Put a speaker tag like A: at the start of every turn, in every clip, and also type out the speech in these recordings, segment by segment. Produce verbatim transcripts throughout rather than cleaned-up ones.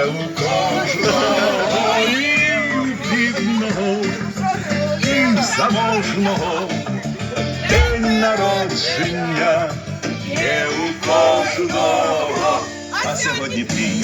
A: у кожного і бідного, і заможного день народження є у кожного, а сьогодні твій.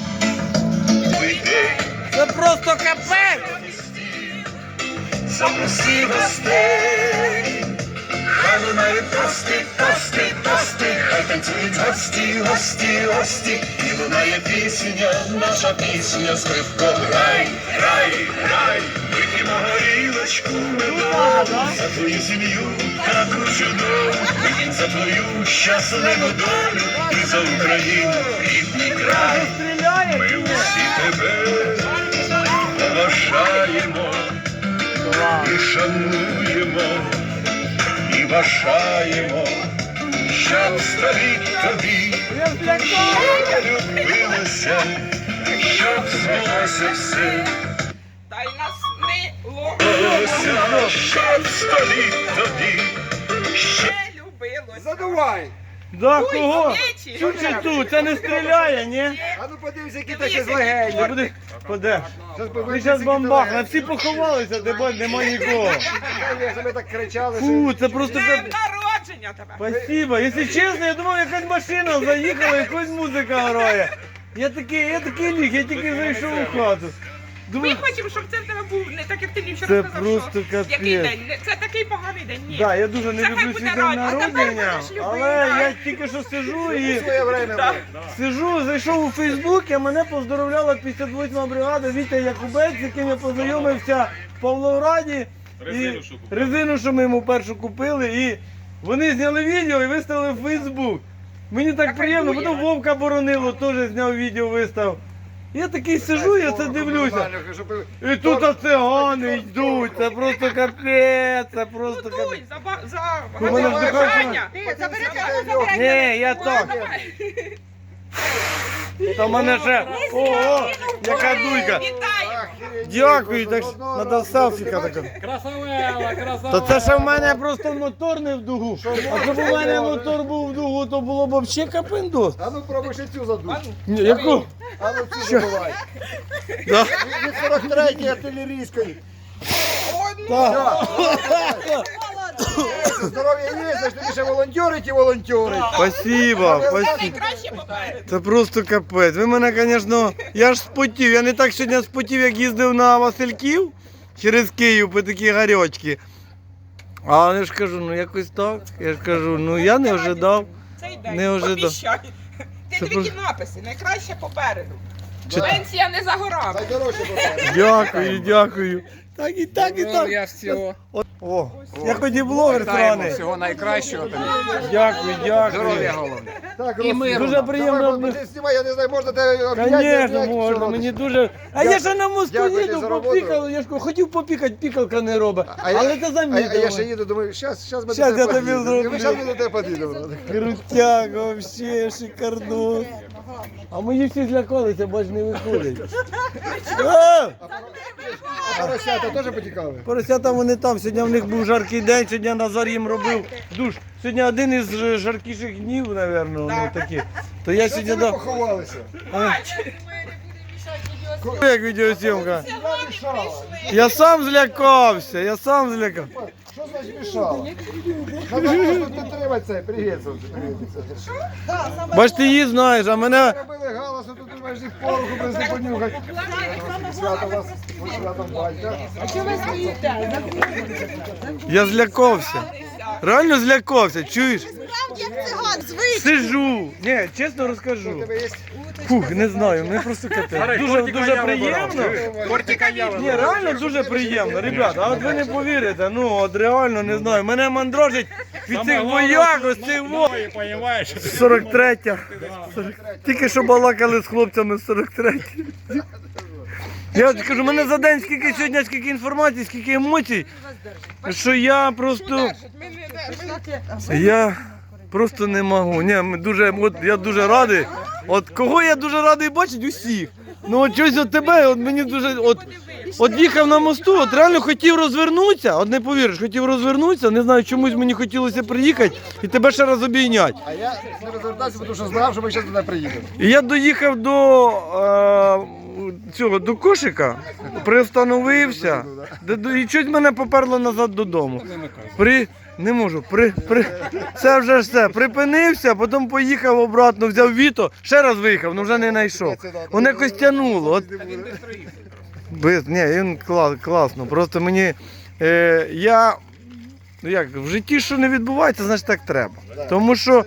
B: Це просто капець!
A: Запроси гостей, хай лунає тости, тости, тости, хай танцюють гості, гості, гості, і лунає пісня, наша пісня, скрипко, грай, грай, грай, вип'ємо горілочку, медову, за твою сім'ю таку чудову, вип'ємо за твою щасливу долю, і за Україну, рідний край, ми всі тебе поважаємо. І шануємо, і бажаємо, щоб століть тобі, щоб любилося, щоб змоглося все.
C: Та й нас не
A: Любилося, щоб століть тобі, щоб...
C: не любилося.
D: Задувай!
B: Да,
C: Ой,
B: кого?
C: свічі!
B: Чу чи тут? Це не стріляє, ні?
D: А ну подивися, які та ще
B: Не
D: злегені.
B: буде. Куди? Ти зараз бомбахне, всі поховалися, де бать нема нікого.
D: Ми так кричали,
B: Фу,
D: що...
B: це просто
C: Днем
B: кап...
C: народження тебе!
B: Спасибо. Якщо чесно, я думав, якась машина заїхала, якась музика грає. Я такий, я такий ліг, я тільки зайшов у хату.
C: Ми
B: Думаю,
C: хочемо, щоб це в тебе був не так, як ти мені вчора
B: це
C: сказав,
B: просто
C: що
B: капець.
C: який день? Не- Це такий поганий день. Ні.
B: да, я дуже не
C: Це хай
B: люблю
C: буде
B: свій день
C: радість. А тепер
B: народження,
C: будеш любити,
B: але
C: так.
B: я тільки що сижу і
D: Своє время
C: Да.
D: було.
B: сижу, зайшов у Фейсбук, і мене поздоровляла п'ятдесят восьма бригада Вітя Якубець, з яким я познайомився в Павлограді. І резину, що ми йому першу купили, і вони зняли відео і виставили в Фейсбук. Мені так приємно, потім Вовка Боронило теж зняв відео, вистав. Я такий сижу, я це дивлюся. І тут цигани йдуть, це просто капець, це просто
C: Ну,
B: капець.
C: дуй, за, ба- за
B: У мене
C: за
B: в
C: бажання.
D: Ти забери,
B: Ні, я так. Та в мене ще, ого, яка дуйка.
C: Вітаю!
B: Дякую, так треба селфіка така.
E: Красавела, красавела.
B: Та це ще в мене просто мотор не в дугу. А щоб у мене мотор був в дугу, то було б взагалі капендос.
D: А ну пробуй ще цю задуй.
B: Ні, яку?
D: А ну цю задувай.
B: Да.
D: Від сорок третьої артилерійської.
B: Так.
D: Здоров'я є, значить тобі ще волонтери ті волонтери.
B: Спасибо, спасибо.
C: Найкраще попереду.
B: Це просто капець. Ви мене, звісно, я ж спотів. Я не так сьогодні спотів, як їздив на Васильків через Київ по такі гарячки. А я ж кажу, ну якось так. Я ж кажу, ну я не ожидав.
C: Цей день.
B: Не ожидав.
C: Обіщай. Ти
B: Це
C: дві
B: просто-
C: написи, найкраще попереду.
B: Чи-
C: Пенсія не за горами.
D: Найдорожче попереду.
B: Дякую, дякую. Так і так, і так.
E: Я всього.
B: О, я хоч і блогер сраний.
E: Всього найкращого тобі.
B: Дякую,
E: Здоров'я
B: дякую.
E: головне.
D: Так,
E: І мирно.
B: Дуже приємно.
D: Давай, бо ти знімай, я не знаю, можна тебе обняти,
B: Звісно,
D: обняти,
B: можна,
D: що
B: мені
D: робиш?
B: дуже. А я ще на мосту
D: Дякую
B: їду,
D: за роботу.
B: попікав, я ж кажу, хотів попікати, пікалка не робить.
D: А я-
B: Але ти
D: А я,
B: замітив.
D: а я ще їду, думаю, щас, щас ми
B: Щас
D: до
B: я
D: тебе
B: тобі
D: під'їдемо.
B: зроблю.
D: Щас ми до тебе під'їдемо.
B: Крутяк, вообще шикардос. А мої всі злякалися, бач, не виходять. А!
D: А поросята теж потікали?
B: Поросята вони там, сьогодні в них був жаркий день, сьогодні Назар їм робив душ. Сьогодні один із ж- жаркіших днів, мабуть, ну такі. То я
D: Що це
B: сьогодні
D: ви
B: дав.
D: поховалися?
B: Як відеозйомка?
D: Я мішала.
B: Я сам злякався, я сам злякався.
D: Що значить мішала? Треба просто підтримати це. Привіт, сонце, привіт. Що?
B: Бач, ти її знаєш, а мене.
D: Робили галасу, тут думаєш, їх пороху без не понюхати. Свято вас, свято батька.
B: Я злякався. Реально злякався, чуєш? Сижу. Ні, чесно
D: У
B: розкажу.
D: тебе є?
B: Фух, не знаю, мені просто капець. Дуже, дуже приємно.
E: Кортика я
B: Ні, реально дуже приємно, ребята, а от ви не повірите, ну от реально не знаю, мене мандрожить від цих вояк, ось цих во... сорок третя. Тільки що балакали з хлопцями з сорок третьої. Я от кажу, мене за день скільки сьогодні, скільки інформації, скільки емоцій, що я просто, я просто не можу. Ні, ми дуже, от, я дуже радий. От кого я дуже радий бачити? Усіх. Ну от щось от тебе, от мені дуже, от от їхав на мосту, от реально хотів розвернутися, от не повіриш, хотів розвернутися, не знаю, чомусь мені хотілося приїхати і тебе ще раз обійняти.
D: А я не розвертався, тому що знав, що ми зараз туди приїдемо.
B: І я доїхав до е, цього, до кошика, приостановився, де- до- і щось мене поперло назад додому. При... Не можу, при, при... це вже ж все, припинився, потім поїхав обратно, взяв Віто, ще раз виїхав, але вже не знайшов. Воно якось тягнуло. От... Без, ні, він клас, класно, просто мені, е, я, ну як, в житті що не відбувається, значить так треба. Тому що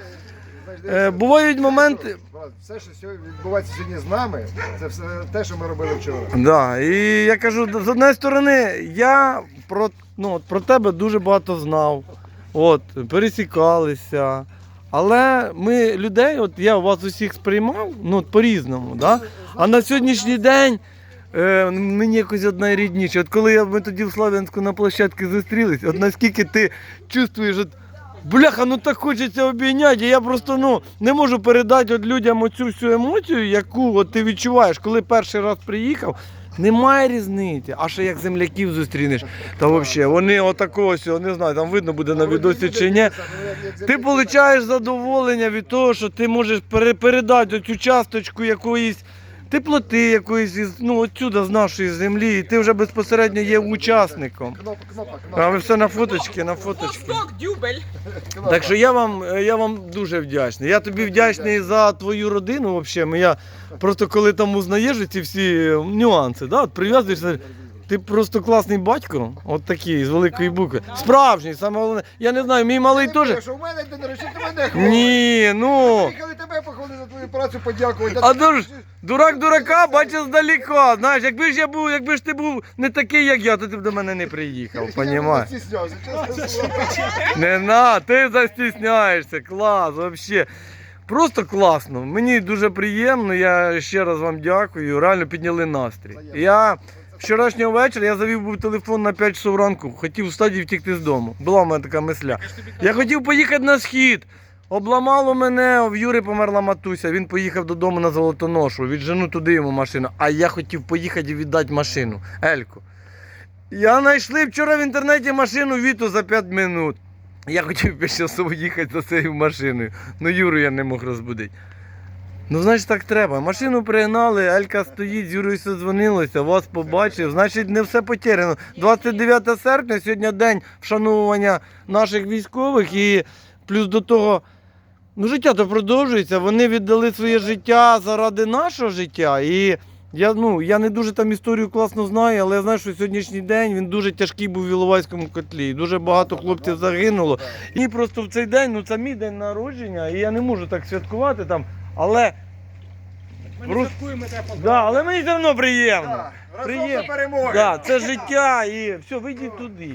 B: е, бувають моменти,
D: Все, що сьогодні відбувається сьогодні з нами, це все те, що ми робили вчора.
B: да, і я кажу, з однієї сторони, я про, ну, от про тебе дуже багато знав, от, пересікалися, але ми людей, от я вас усіх сприймав, ну, от, по-різному, да? А на сьогоднішній день е, мені якось одна рідніше. От коли я, ми тоді в Слав'янську на площадці зустрілись, от наскільки ти чувствуєш, от, бляха, ну так хочеться обійняти, і я просто ну, не можу передати от людям оцю всю емоцію, яку от ти відчуваєш, коли перший раз приїхав. Немає різниці, а ще як земляків зустрінеш, та взагалі, вони отакого ось, не знаю, там видно буде на відосі чи ні. Ти отримуєш задоволення від того, що ти можеш пере- передати цю часточку якоїсь теплоти, якоїсь, із- ну, отсюда з нашої землі, і ти вже безпосередньо є учасником.
D: Кнопка, кнопка,
B: А
D: кнопка.
B: ви все на фоточки, на фоточки.
C: Восток, дюбель.
B: Так що я вам, я вам дуже вдячний. Я тобі вдячний за твою родину. Взагалі. Я просто коли там узнаєш ці всі нюанси, да? От прив'язуєшся. Ти просто класний батько, от такий, з великої букви. Справжній, саме головне. Я не знаю, мій малий теж.
D: Що в мене день народження, ти мене хвалиш.
B: Ні, ну.
D: Приїхали тебе похвалити за твою працю, подякувати.
B: А дур, дурак дурака бачить здалека. Знаєш, якби ж я був, якби ж ти був не такий, як я, то ти б до мене не приїхав, понімаєш?
D: Я стіснявся, чесно слово.
B: Не на, ти застісняєшся, клас, взагалі. Просто класно. Мені дуже приємно, я ще раз вам дякую, реально підняли настрій. Я вчорашнього вечора я завів був телефон на п'ять часов ранку, хотів встати і втікти з дому. Була в мене така мисля. Я хотів поїхати на схід. Обламало мене, в Юри померла матуся, він поїхав додому на Золотоношу, віджену туди йому машину, а я хотів поїхати і віддати машину, Ельку. Я знайшли вчора в інтернеті машину Віту за п'ять минут. Я хотів п'ять часов їхати за цією машиною, але Юру я не мог розбудити. Ну, значить, так треба. Машину пригнали, Елька стоїть, з Юрою дзвонилося, вас побачив. Значить, не все потеряно. двадцять дев'яте серпня, сьогодні день вшанування наших військових і плюс до того, ну, життя то продовжується. Вони віддали своє життя заради нашого життя. І я, ну, я не дуже там історію класно знаю, але я знаю, що сьогоднішній день він дуже тяжкий був в Іловайському котлі. І дуже багато хлопців загинуло. І просто в цей день, ну це мій день народження, і я не можу так святкувати там, але...
E: Ми не
B: Просто-
E: святкуємо, тебе поздравляємо.
B: Да, але мені все одно приємно.
D: Так, разом
B: Приємно.
D: до перемоги.
B: Да, це життя і все, вийдіть туди.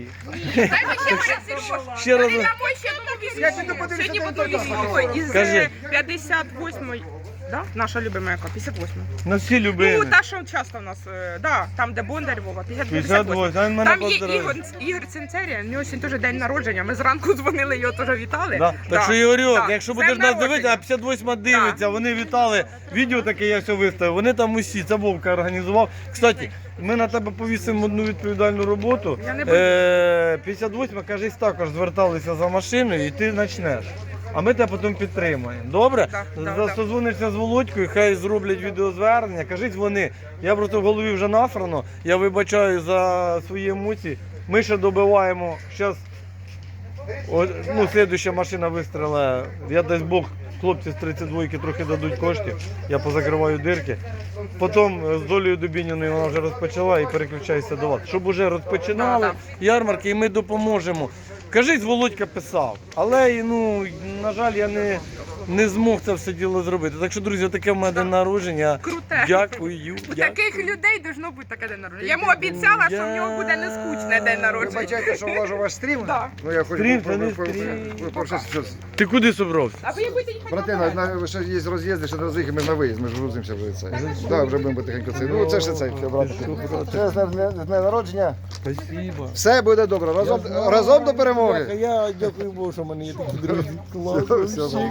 B: Ще раз.
D: Я піду подивлюся,
C: Сьогодні
D: де
C: буду
D: він там.
C: військовий із
B: Кажи.
C: п'ятдесят восьмої. Да? Наша любима яка? п'ятдесят восьма.
B: На всі
C: Ну,
B: любили.
C: та, що часто в нас, е, да, там, де Бондар Вова, п'ятдесят
B: п'ятдесят
C: восьма.
B: восьм, він мене
C: Там є
B: поздравив.
C: Ігор, Ігор Цинцерія, в нього сьогодні теж день народження. Ми зранку дзвонили, його теж вітали.
B: Да. Так що, Ігорьок,
C: да.
B: якщо
C: З
B: будеш
C: днем
B: нас
C: народження.
B: дивитися, а п'ятдесят восьма дивиться, вони вітали, відео таке я все виставив, вони там усі, це Вовка організував. Кстати, ми на тебе повісимо одну відповідальну роботу.
C: Я не буду.
B: Е, п'ятдесят восьма, кажись, також зверталися за машиною і ти почнеш. А ми тебе потім підтримаємо. Добре?
C: Так, так, так.
B: Созвонишся з Володькою, хай зроблять відеозвернення. Кажіть вони, я просто в голові вже насрано, я вибачаю за свої емоції. Ми ще добиваємо, зараз, ну, слідуюча машина вистріле, я дасть Бог, хлопці з тридцять двойки трохи дадуть коштів, я позакриваю дирки. Потім з Долею Дубініною вона вже розпочала і переключається до вас. Щоб вже розпочинали
C: Да,
B: ярмарки і ми допоможемо. Кажіть, Володька писав, але, ну, на жаль, я не, не змог це все діло зробити. Так що, друзі, таке в мене день народження.
C: Круте.
B: Дякую.
C: У
B: дякую.
C: таких людей должно бути таке день народження. Я йому обіцяла, що в нього буде не скучне день народження.
D: Вибачайте, що вложу ваш стрім.
C: Да.
D: Ну я хочу
B: Стрім,
D: по-
B: це не
D: по- по-
B: стрім.
D: по- по- щось- щось.
B: Ти куди собрався?
C: А ви будете їхати?
D: Брати, на, на, ще є роз'їзди, ще не роз'їхали, ми ж на виїзд, ми ж грузимося вже це. Так, вже будемо потихеньку це. Ну це ще це, брати. Це з дня дня народження.
B: Спасибо.
D: Все буде добре, разом, разом до перемоги.
B: Я дякую Богу, що в мене є такі друзі. Клас,
D: Все, все,
B: вообще
D: все,
B: крутяк.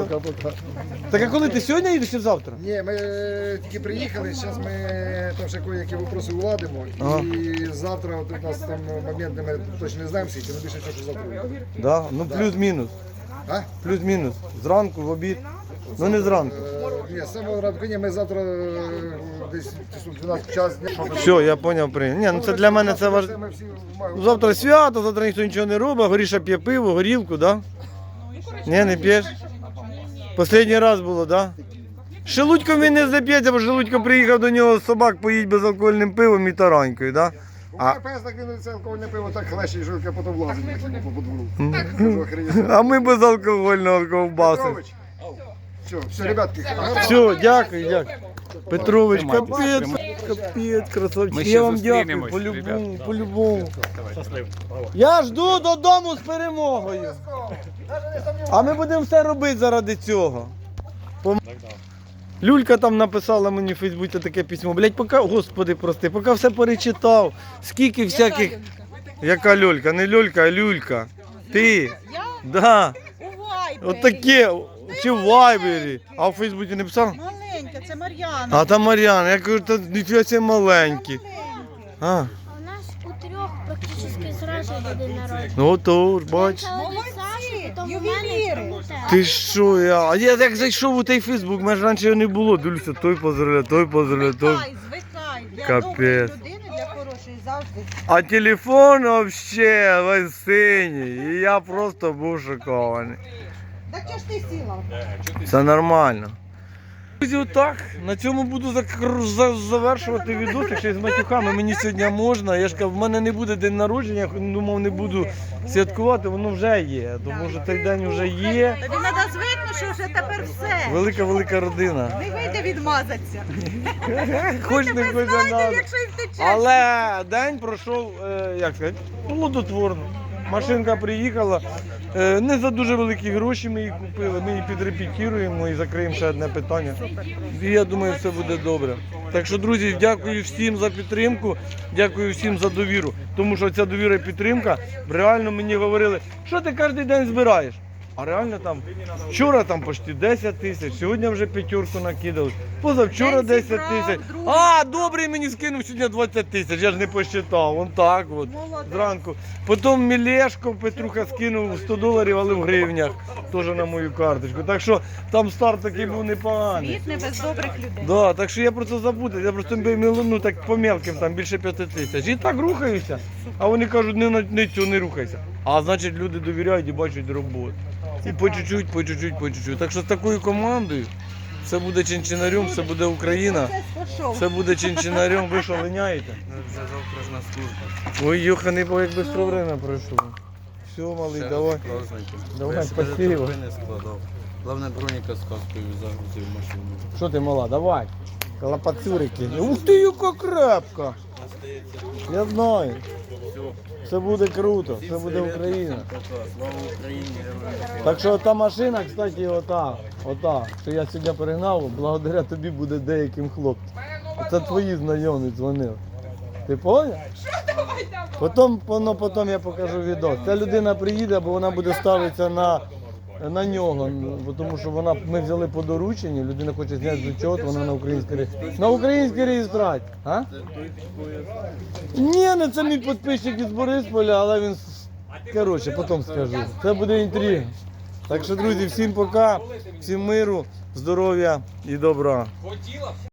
D: Пока-пока.
B: Так а коли ти сьогодні їдеш чи завтра?
D: Ні, ми е, тільки приїхали, зараз ми там ще кое-які вопроси уладимо.
B: Ага.
D: І завтра от у нас там момент, ми точно не знаємо скільки, але більше всього, що завтра буде.
B: Да? Ну плюс-мінус.
D: А?
B: Плюс-мінус. Зранку, в обід. Ну не зранку.
D: Е, Ні, з самого ранку, ні, ми завтра е, десь часу дванадцять час.
B: Все, я зрозумів, прийняв. Ні, ну це для мене це важливо.
D: Ми всі маємо-
B: Завтра свято, завтра ніхто нічого не робить, Горіша п'є пиво, горілку, да? Ні, не п'єш? Останній раз було, да? Шелудьком він не зап'ється, бо Шелудько приїхав до нього собак поїть безалкогольним пивом і таранькою, да?
D: У мене пес так він це алкогольне пиво так хлеще, і жінка потім влазить по подвору. Кажу, охренеть.
B: А ми безалкогольного ковбаси.
D: Петрович. Все, все, ребятки.
B: Все, дякую, дякую. Петрович, капець, капець, красавчик. Я вам дякую, по-любому, по-любому. Я жду додому з перемогою. А ми будемо все робити заради цього. Пом- Люлька там написала мені в Фейсбуці таке письмо. Блять, поки, господи, прости, поки все перечитав. Скільки всяких. Яка люлька? Не люлька, а люлька. Ти.
F: Я
B: Да.
F: у Вайбері.
B: Отаке. Чи в Вайбері. А в Фейсбуці не писав?
F: Маленька, це Мар'яна.
B: А там Мар'яна, я кажу, та ніфіга це маленькі. А,
G: А у нас у трьох практично зразу йде день народження.
B: ну то ж, бач.
G: Спочатку від Саші, потім у
F: ювеліри.
G: мене, потім у тебе.
B: Ти що, я? А я як зайшов у той Фейсбук, мене ж раніше його не було. Дивлюся, той поздравляє, той поздравляє, той.
F: Звикай, звикай. Для
B: Капець.
F: доброї людини, для хорошої завжди.
B: А телефон вообще весь синій. І я просто був шокований.
F: Так чого ж ти сіла?
B: Це нормально. Друзі, отак, на цьому буду зак- за- завершувати відосик ще з матюками. Мені сьогодні можна. Я ж кажу, в мене не буде день народження, я думав, не буду святкувати, воно вже є. Тому що цей день вже є.
F: Тобі треба звикнути, що вже тепер все.
B: Велика-велика родина.
F: Не вийде відмазатися.
B: Хоч не хоч не надо.
F: Якщо й втечеш.
B: Але день пройшов, е, як сказати, плодотворно. Машинка приїхала, е, не за дуже великі гроші ми її купили, ми її підрепетіруємо і закриємо ще одне питання. І я думаю, все буде добре. Так що, друзі, дякую всім за підтримку, дякую всім за довіру. Тому що ця довіра і підтримка, реально мені говорили, що ти кожен день збираєш? А реально там, вчора там почти десять тисяч, сьогодні вже п'ятерку накидали, позавчора
F: День
B: десять
F: зібрав,
B: тисяч.
F: друзі.
B: А, добрий мені скинув сьогодні двадцять тисяч, я ж не посчитав, вон так от,
F: Молодець.
B: зранку. Потім Мілешко Петруха скинув сто доларів, але в гривнях, теж на мою карточку. Так що там старт такий був непоганий.
F: Світ не без добрих людей.
B: Да, так що я про це забуду, я просто ну, так по мелким, там більше п'яти тисяч. І так рухаюся, а вони кажуть, не, на- не цю, не рухайся. А значить люди довіряють і бачать роботу. І по чуть-чуть, по чуть-чуть, по чуть-чуть. Так що з такою командою все буде чинчинарем, все буде Україна,
F: Це пішов.
B: все буде чинчинарем. Ви що, линяєте?
E: Вже завтра ж на службу.
B: Ой, Йоханий, бо як швидко время пройшло. Все, малий, давай. Давай, спасибо.
E: не складав. Головне, броніка з каскою загрузив в машину.
B: Що ти, мала, давай. Колопацюрики. Ух ти, яка крепка. Я знаю. Все буде круто, все буде Україна.
E: Слава Україні, героям.
B: Так що та машина, кстати, ота, ота, що я сьогодні перегнав, благодаря тобі буде деяким хлопцям. Це твої знайомі дзвонили. Ти поняв? Потім, воно, потім я покажу відео. Ця людина приїде, бо вона буде ставитися на, на нього. Бо тому що вона, ми взяли по дорученню, людина хоче зняти зачет, вона на українській реєстрації. На українській реєстрації. А? Ні, не це мій підписчик із Борисполя, але він, коротше, потім скажу. Це буде інтрига. Так що, друзі, всім пока, всім миру, здоров'я і добра.